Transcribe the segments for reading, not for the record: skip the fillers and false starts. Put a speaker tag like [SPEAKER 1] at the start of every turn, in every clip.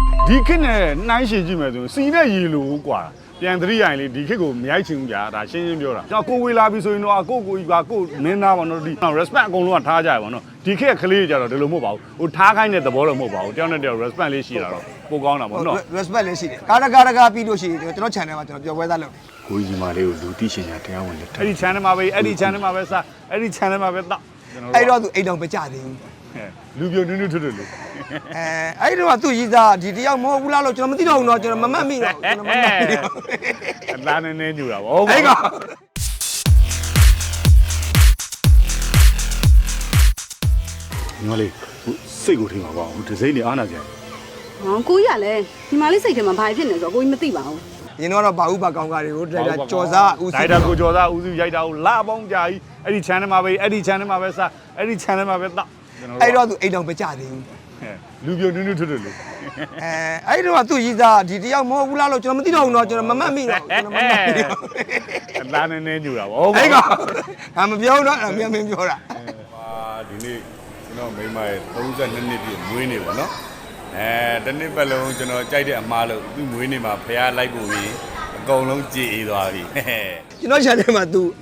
[SPEAKER 1] ဒီခေတ်နဲ့နှိုင်းရှင်ကြည့်မယ်ဆိုရင်စီနဲ့ရေလိုกว่าပြန်သတိရရင်လေဒီခေတ်ကိုမရိုက်ချင်ဘူးဗျာဒါရှင်းရှင်းပြောတာကျွန်တော်ကိုဝေလာပြီဆိုရင်တော့ကိုကြီးကကိုမင်းသားပေါ့နော်ဒီ respect အကုန်လုံးကထားကြရပါတော့ဒီခေတ်ကလေးကြတော့ဒီလိုမဟုတ်ပါဘူးဟိုထားခိုင်းတဲ့သဘောတော့မဟုတ်ပါဘူးတယောက်နဲ့တယောက် respect လေးရှိတာတော့ပိုကောင်းတာပေါ့နော်
[SPEAKER 2] respect လေးရှိတယ်ကားပြီးလို့ရှိရင်ကျွန်တော် channel မှာကျွန်တော်ပြောပွဲသားလုပ်တယ်
[SPEAKER 1] ကိုကြီးမလေးကိုလူသိရှင်ညာတရားဝင်လက်ထပ်အဲ့ဒီ channel မှာပဲအဲ့ဒီ channel မှာပဲစအဲ့ဒီ channel မှာပဲတောက်
[SPEAKER 2] အဲ့တော့သူအိမ်တော်မကြသေးဘူး
[SPEAKER 1] လူပြိုနုနုထွတ်ထွတ်လို့
[SPEAKER 2] အဲ့တော့သူကြီးသားဒီတယောက်မဟုတ်ဘူးလားလို့ကျွန်တော်မသိတော့ဘူးเนาะကျွန်တော်မမှတ်မိတော့ကျွန်တော်မမှတ်မိတော့
[SPEAKER 1] အသားနည်းနည်းညူတာဗောဟုတ်ပါ
[SPEAKER 2] အဲ့က
[SPEAKER 1] ညီမလေးစိတ်ကိုထိမှာပါဘူးဒီစိမ့်နေအားနာကြတယ်
[SPEAKER 3] ဟောကိုကြီးကလည်းဒီမလေးစိတ်ထဲမှာဘာဖြစ်နေဆိုတော့ကိုကြီးမသိပါဘူး
[SPEAKER 2] ရင်းတော့ဘာဥပါကောင်းကားတွေကိုဒါတာကြော်စားဦးစီး
[SPEAKER 1] ဒါတာကိုကြော်စားဦးစီးရိုက်တာကိုလာပေါင်းကြာကြီးအဲ့ဒီ channel မှာပဲအဲ့ဒီ channel မှာပဲစအဲ့ဒီ channel မှာပဲတောက်
[SPEAKER 2] အဲ့တော့သူအိမ်တော်မကြသေးဘူး
[SPEAKER 1] လူပြိုနုနုထွတ်ထွတ်လို့
[SPEAKER 2] အဲ့တော့သူကြီးသားဒီတယောက်မဟုတ်ဘူးလားလို့ကျွန်တော်မသိတော့ဘူးเนาะကျွန်တော်မမှတ်မိတော့ကျွန်တော်မမှတ်မိတော့
[SPEAKER 1] အသားနည်းနည်းညူတာဗောဟုတ်ပါ
[SPEAKER 2] အဲ့ကမပြောတော့မင်းပြောတာ
[SPEAKER 1] ဒီနေ့ကျွန်တော်မိမရဲ့32နှစ်ပြည့်မွေးနေ့ပေါ့နော်တနေ့ပတ်လုံးကျွန်တော်ကြိုက်တဲ့အမားလို့သူ့မွေးနေ့မှာဖះလိုက်ဖို့ပြီးအကုန်လုံးကြည်အေးသွားပြီ
[SPEAKER 2] ကျွန်တော် channel မှာ तू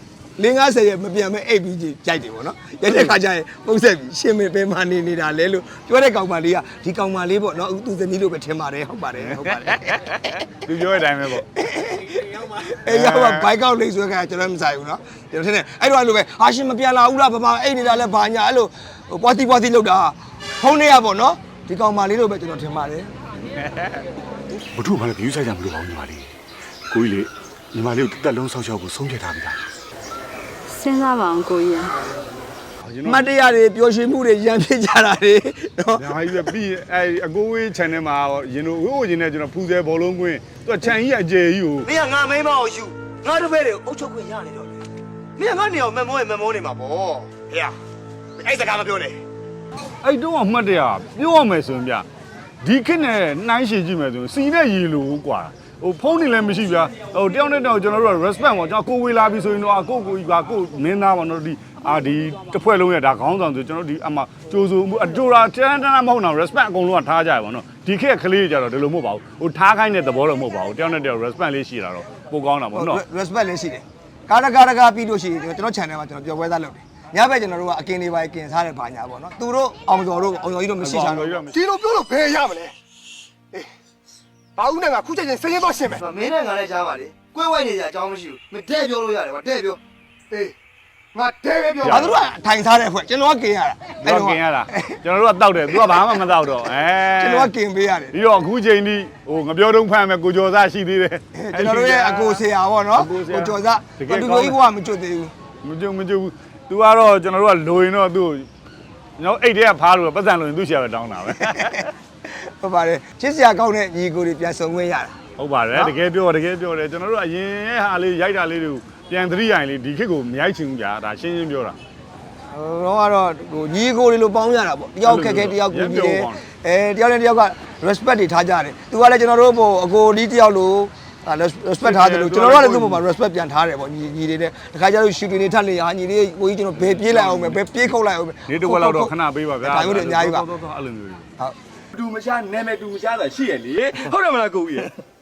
[SPEAKER 2] 50ရက်မပြန်မဲ့ APG ကြိုက်တယ်ပေါ့နော်ရိုက်တဲ့ခါကျရင်ပုံဆက်ပြီးရှင်းမင်းပဲမနေတာလဲလို့ပြောတဲ့ကောင်မလေးကဒီကောင်မလေးပေါ့နော်သူဇနီးလို့ပဲထင်ပါတယ်ဟုတ်ပါတယ်
[SPEAKER 1] သူပြောတဲ့အတိုင်းပဲပေါ့
[SPEAKER 2] အေးရောက်ပါဘိုက်ကောက်လေးဆွဲခါကျွန်တော်မဆိုင်ဘူးနော်ကျွန်တော်ထင်တယ်အဲ့တော့အဲ့လိုပဲဟာရှင်မပြန်လာဘူးလားဘာအိတ်နေတာလဲဘာညာအဲ့လိုပွားတီလောက်တာဖုန်းထဲရပေါ့နော်ဒီကောင်မလေးလို့ပဲကျွန်တော်ထင်ပါတယ်
[SPEAKER 1] ဘုထုမှလည်း view ဆိုင်ကြမလို့ပါဘူးညီမလေးကိုကြီးလေညီမလေးကိုတက်လုံးဆောက်ရှောက်ဖို့ဆုံးဖြတ်ထားပြီလား
[SPEAKER 3] စဉ်းစားပါအောင်ကိုကြီး
[SPEAKER 2] မတရားတွေပျော်ရွှင်မှုတွေရံဖြစ်ကြတာတွေနော်
[SPEAKER 1] ညာကြီးပဲပြီးအဲ့အကိုဝေး channel မှာရင်တို့ဝိုးရင်နဲ့ကျွန်တော်ဖူးဆဲဘောလုံးကွင်းသူကခြံကြီးအကျယ်ကြီးကို
[SPEAKER 2] မင်းကငါမိန်းမကိုယူငါတပည့်တွေကိုအုပ်ချုပ်ခွင့်ရနေတော့လေမင်းကငါနေအောင်မမောနေမှာပေါ့ဟေ့အဲ့စကားမပြောနဲ့
[SPEAKER 1] အဲ့တော့အမှတ်တရပြောရမယ်ဆိုရင်ဗျဒီခေတ်နဲ့နှိုင်းရှင်ကြည့်မယ်ဆိုရင်စီနဲ့ရေလိုกว่าဟိုဖုန်းနေလည်းမရှိဗျာဟိုတယောက်နဲ့တယောက်ကျွန်တော်တို့က respect ပေါ့ကျွန်တော်ကိုဝေလာပြီဆိုရင်တော့ကိုကြီးကကိုမင်းသားပေါ့နော်ဒီတစ်ဖွဲ့လုံးရဒါခေါင်းဆောင်ဆိုကျွန်တော်ဒီအမှကြိုးစိုးမှုအတူတာတန်းတန်းမဟုတ်တော့ respect အကုန်လုံးကထားကြရပါတော့ဒီခေတ်ကလေးကြတော့ဒီလိုမဟုတ်ပါဘူးဟိုထားခိုင်းတဲ့သဘောတော့မဟုတ်ပါဘူးတယောက်နဲ့တယောက် respect လေးရှိတာတော့ပိုကောင်းတာပေါ့နော်
[SPEAKER 2] respect လေးရှိတယ်ကားပြီးလို့ရှိရင်ကျွန်တော် channel မှာကျွန်တော်ပြောပွဲသားလုပ်တယ်ညဘက်ကျွန်တော်တို့ကအကင်တွေပါကင်စားတဲ့ဘာညာပေါ့နော်သူတို့အောင်ကျော်တို့အောင်ကျော်ကြီးတို့မရှိချာတော့
[SPEAKER 4] ဒီလိုပြောလို့ဘယ်ရမလဲဘာဦးနဲ့ကခုချက်ချင်းစရင်တော့ရှင်းမယ်
[SPEAKER 2] မင်းနဲ့ငါလည်းကြားပါလေကွဲဝဲနေကြအကြောင်းမရှိဘူးမတဲ့ပြောလို့ရတယ်ကွာတဲ့ပြော
[SPEAKER 4] အေးငါတဲပဲပြော
[SPEAKER 2] ငါတို့ကထိုင်စားတဲ့ဖွဲ့ကျွန်တော်ကကင်ရတာ
[SPEAKER 1] အဲ့တော့ကင်ရတာကျွန်တော်တို့ကတောက်တယ်သူကဘာမှမတောက်တော့
[SPEAKER 2] ကျွန်တော်ကကင်ပေးရတယ်
[SPEAKER 1] ပြီးတော့အခုချိန်ထိဟိုငပြောတုံးဖမ်းမယ်ကိုကျော်စားရှိသေးတယ်
[SPEAKER 2] ကျွန်တော်တို့ရဲ့အကိုဆရာပေါ့နော်ကိုကျော်စားသူတို့ကြီးဘဝမကျွတ်သေး
[SPEAKER 1] ဘူးမကျွတ်ဘူးသူကတော့ကျွန်တော်တို့ကလိုရင်တော့သူ့ကျွန်တော်အိတ်ထဲကဖားလို့ပတ်စံလို့ရင်သူ့ဆရာပဲတောင်းတာပဲ
[SPEAKER 2] ဟုတ်ပါတယ်ချစ်စရာကောင်းတဲ့ညီကိုတွေပြန်ဆုံခွင့်ရတာ
[SPEAKER 1] ဟုတ်ပါတယ်တကယ်ပြောတယ်ကျွန်တော်တို့အရင်ရဲ့ဟာလေးရိုက်တာလေးတွေကိုပြန်သတိရရင်လေဒီခေတ်ကိုမရိုက်ချင်ဘူးကြာဒါရှင်းရှင်းပြောတာ
[SPEAKER 2] တော့ကတော့ဟိုညီကိုတွေလိုပေါင်းရတာပေါ့တယောက်ခက်ခဲတယောက်ကူညီတယ်တယောက်နဲ့တယောက်က respect တွေထားကြတယ်သူကလည်းကျွန်တော်တို့ဟိုအကိုဒီတယောက်လိုrespect ထားတယ်လို့ကျွန်တော်တို့ကလည်းသူ့ပေါ်မှာ respect ပြန်ထားတယ်ပေါ့ညီတွေနဲ့တခါကျတော့ shooting တွေထပ်လေဟာညီလေးကိုကြီးကျွန်တော်ဘယ်ပြေးလိုက်အောင်ပဲဘယ်ပြေးခုတ်လိုက်အောင်ပဲ
[SPEAKER 1] နေတစ်ဝက်လောက်တော့ခဏပေးပါဗျာ
[SPEAKER 2] ဒါမျိုးတွေအများကြီးပါ
[SPEAKER 1] အဲ့လိုမျိုး
[SPEAKER 2] ဟုတ်
[SPEAKER 4] တူမရှာနာမည်တူမရှာတာရှိရလေဟုတ်တယ်မလားကိုကြီး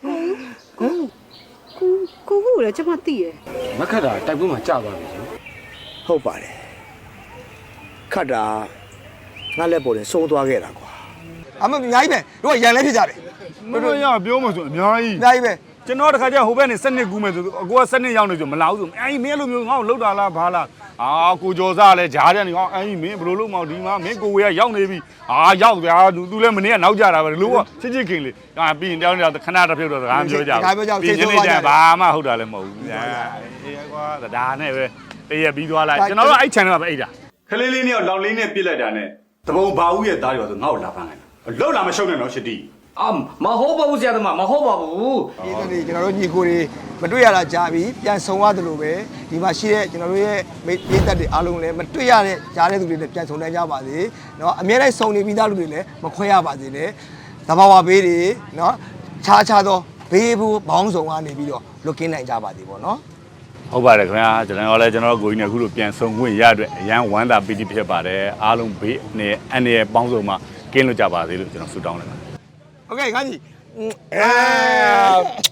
[SPEAKER 3] ကိုလည်းကျွန်မသိရ
[SPEAKER 4] မခက်တာတိုက်ပွဲမှာကြာသွားပြီ
[SPEAKER 2] ဟုတ်ပါတယ်ခတ်တာငါလက်ပေါ်နဲ့ဆုံးသွားခဲ့တာကွာအမအများကြီးပဲတို့ကရန်လဲဖြစ်ကြတယ်
[SPEAKER 1] မတို့ရပြောမှဆိုအများကြီး
[SPEAKER 2] ပဲ
[SPEAKER 1] ကျွန်တော်တခါကျဟိုဘက်နေစနစ်ကူးမယ်ဆိုအကိုကစနစ်ရောက်နေဆိုမလာဘူးဆိုအဲ့မင်းလိုမျိုးငါ့ကိုလှုပ်တာလားဘာလားကိုကျော်စားလည်းဂျားတယ်နေဟောအဲ့မင်းဘယ်လိုလုပ်မအောင်ဒီမှာမင်းကိုဝေကရောက်နေပြီရောက်ဗျာသူလည်းမနေ့ကနောက်ကြတာပဲလို့ချစ်ခင်လေပြီးရင်တောင်းနေတာခဏတစ်ဖြုတ်တော့စကားပြောကြဘူးပြီးနေကြဘာမှဟုတ်တာလည်းမဟုတ်ဘူးအေးကွာဒါနဲ့ပဲတရက်ပြီးသွားလိုက်ကျွန်တော်တို့အဲ့ channel မှာပဲအိတ်တာခလေးလေးနဲ့လောင်လေးနဲ့ပြစ်လိုက်တာနဲ့တပုံဘာဦးရဲ့သားတွေဆိုငါ့ကိုလာဖမ်းလိုက်လှုပ်လာမရှုံနဲ့နော်ရှစ်တီ
[SPEAKER 4] မဟုတ်ပါဘူးဆရာသမားမဟုတ်ပါဘူး
[SPEAKER 2] ဒီနေ့ကျွန်တော်တို့ညီကိုတွေမတွေ့ရတာကြာပြီပြန်ဆုံရတယ်လို့ပဲဒီမှာရှိတဲ့ကျွန်တော်တို့ရဲ့မိသက်တွေအားလုံးလည်းမတွေ့ရတဲ့ကြားတဲ့သူတွေလည်းပြန်ဆုံနိုင်ကြပါစေเนาะအများတိုင်းဆုံနေပြီးသားလူတွေလည်းမခွဲရပါစေနဲ့သဘာဝဘေးတွေเนาะခြားသောဘေးဘူးဘောင်းဆောင်ကနေပြီးတော့လွတ်ကင်းနိုင်ကြပါစေပေါ့เนาะ
[SPEAKER 1] ဟုတ်ပါတယ်ခင်ဗျာကျွန်တော်လည်းကျွန်တော်ကိုကြီးနဲ့အခုလိုပြန်ဆုံခွင့်ရအတွက်အရန်ဝမ်းသာပီတိဖြစ်ပါတယ်အားလုံးဘေးနဲ့အနေနဲ့ပေါင်းစုံမှာကင်းလွတ်ကြပါစေလို့ကျွန်တော်ဆုတောင်းလိုက်ပါတယ်
[SPEAKER 2] โอเคငါကြီး
[SPEAKER 1] အဲ